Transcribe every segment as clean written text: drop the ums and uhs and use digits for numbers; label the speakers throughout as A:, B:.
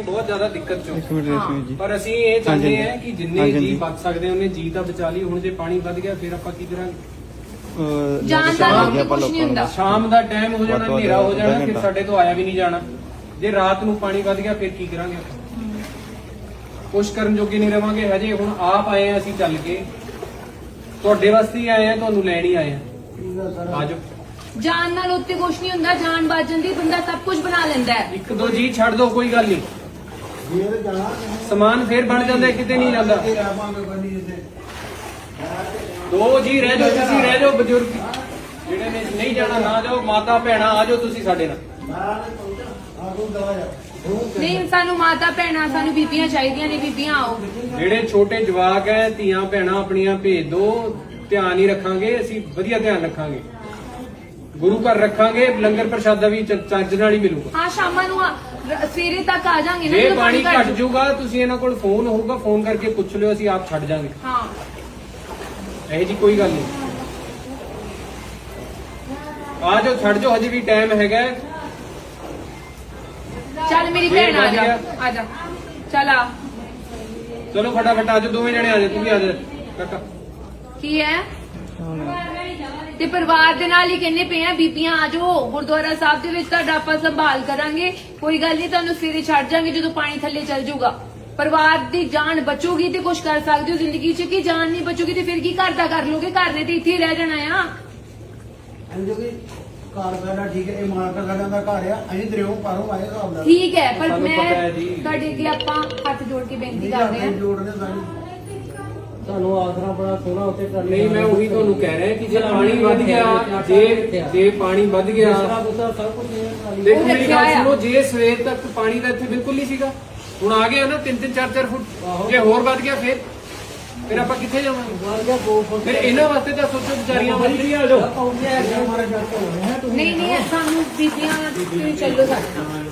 A: बहुत ज्यादा दिक्कत चो
B: एक मिनट रेशमी जी
A: पर ਅਸੀਂ ਇਹ ਚਾਹੁੰਦੇ
B: ਹਾਂਜੀ।
A: ਹਾਂ ਕਿ ਜਿੰਨੇ
B: ਹਾਂਜੀ,
A: ਜੀ
B: ਹਾਂਜੀ।
A: ਬਚ ਸਕਦੇ ਉਹਨੇ ਜੀ ਤਾਂ ਬਚਾ ਲਈ। ਹੁਣ ਜੇ ਪਾਣੀ ਵੱਧ ਗਿਆ ਫਿਰ ਆਪਾਂ ਕੀ ਕਰਾਂਗੇ?
C: ਜਾਣ ਦਾ
B: ਲੱਗ ਗਿਆ
C: ਕੁਛ ਨਹੀਂ ਹੁੰਦਾ।
A: ਸ਼ਾਮ ਦਾ ਟਾਈਮ ਹੋ ਜਾਣਾ,
B: ਵੱਧ ਤੋਂ
A: ਹਨੇਰਾ ਹੋ
B: ਵੱਧ
A: ਜਾਣਾ,
B: ਅੱਧਾ
A: ਫਿਰ
B: ਘੰਟਾ।
A: ਸਾਡੇ ਤੋਂ ਆਇਆ ਵੀ ਨਹੀਂ ਜਾਣਾ। ਜੇ ਰਾਤ ਨੂੰ ਪਾਣੀ ਵੱਧ ਗਿਆ ਫਿਰ ਕੀ ਕਰਾਂਗੇ ਆਪਾਂ? ਕੁਛ ਕਰਨ ਜੋਗੇ ਨਹੀਂ ਰਵਾਂਗੇ। ਹਜੇ ਹੁਣ ਆਪ ਆਏ ਆ ਅਸੀਂ ਚੱਲ ਕੇ, ਤੁਹਾਡੇ ਵਾਸਤੇ ਹੀ ਆਏ ਆ, ਤੁਹਾਨੂੰ ਲੈਣ ਹੀ ਆਏ ਆ। ਆਜੋ।
C: ਜਾਨ ਨਾਲ ਉੱਤੇ ਕੁਛ ਨਹੀਂ ਹੁੰਦਾ, ਜਾਨ ਬਾਜਣ ਦੀ ਬੰਦਾ ਸਭ ਕੁਝ ਬਣਾ ਲੈਂਦਾ ਹੈ।
A: ਇੱਕ ਦੋ ਜੀ ਛੱਡ ਦੋ, ਕੋਈ ਗੱਲ ਨਹੀਂ। ਸਮਾਨ ਫੇਰ ਬਣ ਜਾਂਦਾ, ਕਿਤੇ ਨਹੀਂ ਜਾਂਦਾ। ਦੋ ਜੀ ਰਹਿ ਜਾਓ, ਤੁਸੀਂ ਰਹਿ ਜਾਓ। ਬਜ਼ੁਰਗ ਜਿਹੜੇ ਨੇ ਨਹੀਂ ਜਾਣਾ ਨਾ ਜਾਓ। ਮਾਤਾ ਭੈਣਾਂ ਆ ਜਾਓ ਤੁਸੀਂ ਸਾਡੇ ਨਾਲ।
C: ਨਹੀਂ, ਸਾਨੂੰ ਮਾਤਾ ਭੈਣਾਂ, ਸਾਨੂੰ ਬੀਬੀਆਂ ਚਾਹੀਦੀਆਂ ਨੇ, ਬੀਬੀਆਂ ਆਓ।
A: ਜਿਹੜੇ ਛੋਟੇ ਜਵਾਕ ਹੈ, ਧੀਆਂ ਭੈਣਾਂ ਆਪਣੀਆਂ ਭੇਜ ਦੋ। ਧਿਆਨ ਹੀ ਰੱਖਾਂਗੇ ਅਸੀਂ, ਵਧੀਆ ਧਿਆਨ ਰੱਖਾਂਗੇ। ਗੁਰੂ ਘਰ ਰੱਖਾਂਗੇ, ਲੰਗਰ ਪ੍ਰਸ਼ਾਦਾ ਵੀ ਚੱਜ ਨਾਲ ਹੀ ਮਿਲੂਗਾ।
C: ਹਾਂ, ਸ਼ਾਮਾਂ ਨੂੰ ਸਵੇਰੇ ਤੱਕ ਆ ਜਾਾਂਗੇ ਨਾ।
A: ਜੇ
C: ਜਦੋਂ
A: ਪਾਣੀ ਘਟ
C: ਘੱਟ
A: ਜਾਊਗਾ ਤੁਸੀਂ ਇਹਨਾਂ ਕੋਲ ਫੋਨ ਹੋਊਗਾ, ਫੋਨ ਕਰਕੇ ਪੁੱਛ ਲਿਓ, ਅਸੀਂ ਆਪ ਛੱਡ ਜਾਾਂਗੇ।
C: ਹਾਂ,
A: ਇਹ ਜੀ ਕੋਈ ਗੱਲ ਨਹੀਂ। ਆ ਜਾਓ, ਛੱਡ ਜਾਓ, ਹਜੇ ਵੀ ਟਾਈਮ ਹੈਗਾ।
C: ਚੱਲ ਮੇਰੀ ਭੈਣ ਆ ਜਾ, ਆ ਜਾ, ਚੱਲ ਆ।
A: ਚਲੋ ਫਟਾਫਟ ਆ ਜਾਓ, ਦੋਵੇਂ ਜਣੇ ਆ ਜਾਓ। ਤੂੰ ਵੀ ਆ ਜਾ ਕਾਕਾ।
C: ਕੀ ਹੈ ਤੇ ਪਰਿਵਾਰ ਦੇ ਨਾਲ ਹੀ ਕਹਿੰਦੇ ਪਏ ਆ, ਬੀਬੀਆਂ ਆ ਜਾਓ ਗੁਰਦੁਆਰਾ ਸਾਹਿਬ ਦੇ ਵਿੱਚ, ਤੁਹਾਡਾ ਆਪਾਂ ਸੰਭਾਲ ਕਰਾਂਗੇ। ਕੋਈ ਗੱਲ ਨਹੀਂ, ਤੁਹਾਨੂੰ ਸਵੇਰੇ ਛੱਡ ਜਾਾਂਗੇ ਜਦੋਂ ਪਾਣੀ ਥੱਲੇ ਚੱਲ ਜਾਊਗਾ। ਪਰਿਵਾਰ ਦੀ ਜਾਨ ਬਚੂਗੀ ਤੇ ਕੁਝ ਕਰ ਸਕਦੇ ਹੋ ਜ਼ਿੰਦਗੀ 'ਚ, ਕਿ ਜਾਨ ਨਹੀਂ ਬਚੂਗੀ ਤੇ ਫਿਰ ਕੀ ਘਰ ਦਾ ਕਰ ਲੋਗੇ? ਘਰ ਨੇ ਤੇ ਇੱਥੇ ਹੀ ਰਹਿ ਜਾਣਾ ਆ।
D: ਘਰ ਸਾਡਾ ਠੀਕ ਹੈ, ਇਹ ਮਾਲਕ ਸਾਡਾ ਦਾ ਘਰ ਆ। ਅਸੀਂ ਦਰਿਓ ਪਾਰੋਂ ਆਏ ਹਿਸਾਬ ਨਾਲ।
C: ਠੀਕ ਹੈ, ਪਰ
A: ਸਾਨੂੰ
C: ਮੈਂ
A: ਪਤਾ ਹੈ ਜੀ।
C: ਤੁਹਾਡੇ ਅੱਗੇ ਆਪਾਂ ਹੱਥ ਜੋੜ ਕੇ ਬੇਨਤੀ
D: ਨਹੀਂ
C: ਕਰਦੇ ਹਾਂ।
D: ਜੋੜਨੇ ਸਾਨੂੰ ਤੁਹਾਨੂੰ ਆਸਰਾ ਬੜਾ ਸੋਹਣਾ ਉੱਤੇ ਕਰ
A: ਨਹੀਂ, ਮੈਂ ਉਹੀ ਤੁਹਾਨੂੰ ਕਹਿ ਰਿਹਾ ਕਿ ਜੇ ਪਾਣੀ ਵੱਧ ਗਿਆ, ਜੇ ਪਾਣੀ ਵੱਧ ਗਿਆ
D: ਸਭ ਕੁਝ
A: ਦੇਖੋ ਮੇਰੀ ਗੱਲ ਸੁਣੋ। ਜੇ ਸਵੇਰ ਤੱਕ ਪਾਣੀ ਦਾ ਇੱਥੇ ਬਿਲਕੁਲ ਨਹੀਂ ਸੀਗਾ, ਹੁਣ ਆ ਗਿਆ ਨਾ 3-3 4-4 ਫੁੱਟ। ਜੇ ਹੋਰ ਵੱਧ ਗਿਆ ਫਿਰ ਆਪਾਂ ਕਿੱਥੇ ਜਾਵਾਂਗੇ? ਫਿਰ ਇਹਨਾਂ ਵਾਸਤੇ ਤਾਂ ਸੋਚੋ, ਵਿਚਾਰੀਆਂ ਵਾਸਤੇ ਆ ਜਾਓ।
C: ਨਹੀਂ ਨਹੀਂ, ਸਾਨੂੰ ਬੀਬੀਆਂ ਤੁਸੀਂ ਚੱਲੋ ਸਾਡੇ ਨਾਲ।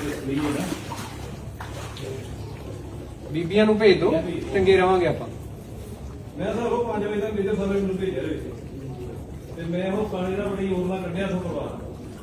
A: ਬੀਬੀਆਂ ਨੂੰ ਭੇਜ ਦਿਓ, ਚੰਗੇ ਰਵਾਂਗੇ ਆਪਾਂ।
E: ਮੈਂ ਤਾਂ ਉਹ 5 ਵਜੇ ਤੱਕ ਮੇਰੇ ਸਾਰੇ ਮੈਨੂੰ ਭੇਜਿਆ ਵਿੱਚ ਤੇ ਮੈਂ ਉਹ ਪਾਣੀ ਦਾ ਬੜੀ ਹੋਰ ਨਾਲ ਕੱਢਿਆ ਤੋਂ ਪਰਵਾਹ।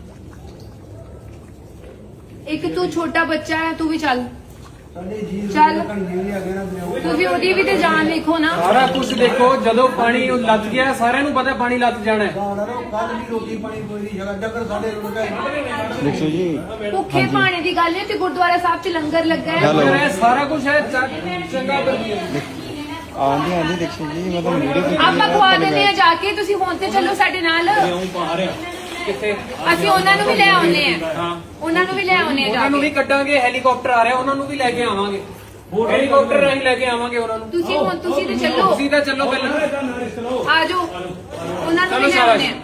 C: ਇੱਕ ਤੂੰ ਛੋਟਾ ਬੱਚਾ ਹੈ, ਤੂੰ ਵੀ ਚੱਲ।
D: ਸਾਡੇ ਜੀ
C: ਚੱਲ।
D: ਕੰਨੇ ਵੀ ਆ ਗਏ ਨਾ ਦਰਿਓ।
C: ਤੁਸੀਂ ਉਹਦੀ ਵੀ ਤੇ ਜਾਨ ਲਿਖੋ ਨਾ।
A: ਸਾਰਾ ਕੁਝ ਦੇਖੋ, ਜਦੋਂ ਪਾਣੀ ਲੱਗ ਗਿਆ ਸਾਰਿਆਂ ਨੂੰ ਪਤਾ ਪਾਣੀ ਲੱਗ ਜਾਣਾ ਹੈ।
D: ਕੱਲ ਵੀ ਰੋਟੀ ਪਾਣੀ ਕੋਈ ਨਹੀਂ ਜਗ੍ਹਾ ਜਗਰ ਸਾਡੇ ਰੁੜ ਗਏ।
B: ਦੇਖੋ ਜੀ
C: ਭੁੱਖੇ ਪਾਣੀ ਦੀ ਗੱਲ ਹੈ ਤੇ ਗੁਰਦੁਆਰਾ ਸਾਹਿਬ 'ਚ ਲੰਗਰ ਲੱਗਾ ਹੈ।
B: ਹੈਲੋ।
A: ਇਹ ਸਾਰਾ ਕੁਝ ਹੈ ਚੰਗਾ ਵਧੀਆ।
B: ਆਂਦੀ ਆਂਦੀ ਦੇਖੋ ਜੀ, ਮੈਂ ਤੁਹਾਨੂੰ ਵੀਡੀਓ ਕੀਤੀ
C: ਆਪਾਂ ਖਵਾ ਦਿੰਦੇ ਆ ਜਾ ਕੇ, ਤੁਸੀਂ ਹੁਣ ਤੇ ਚੱਲੋ ਸਾਡੇ ਨਾਲ।
A: ਕਿੱਥੇ?
C: ਅਸੀਂ ਉਹਨਾਂ ਨੂੰ ਵੀ ਲੈ ਆਉਨੇ ਆ।
A: ਹਾਂ,
C: ਉਹਨਾਂ ਨੂੰ ਵੀ ਲੈ ਆਉਨੇ ਆ ਜਾ
A: ਉਹਨਾਂ ਨੂੰ ਵੀ
C: ਕੇ।
A: ਕੱਢਾਂਗੇ। ਹੈਲੀਕਾਪਟਰ ਆ ਰਿਹਾ, ਉਹਨਾਂ ਨੂੰ ਵੀ ਲੈ ਕੇ ਆਵਾਂਗੇ। ਹੈਲੀਕਾਪਟਰ ਰਾਹੀਂ ਲੈ ਕੇ ਆਵਾਂਗੇ ਉਹਨਾਂ ਨੂੰ।
C: ਤੁਸੀਂ ਹੁਣ ਤੁਸੀਂ ਤੇ ਚੱਲੋ,
A: ਤੁਸੀਂ ਤਾਂ ਚੱਲੋ ਪਹਿਲਾਂ।
C: ਆ ਜਾਓ, ਉਹਨਾਂ ਨੂੰ
A: ਚਲੋ
C: ਵੀ ਲੈ
A: ਸ਼ਾਬਾਸ਼।
C: ਆਉਨੇ ਆ।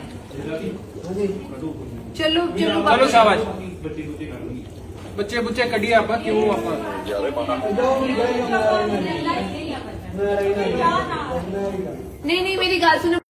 C: ਚਲੋ ਚਲੋ
A: ਚਲੋ ਸ਼ਾਬਾਸ਼। ਬੱਚੇ ਬੁੱਚੇ ਕੱਢੀਏ ਆਪਾਂ, ਕਿਉਂ ਆਪਾਂ
C: ਨਹੀਂ ਨਹੀਂ, ਮੇਰੀ ਗੱਲ ਸੁਣੋ।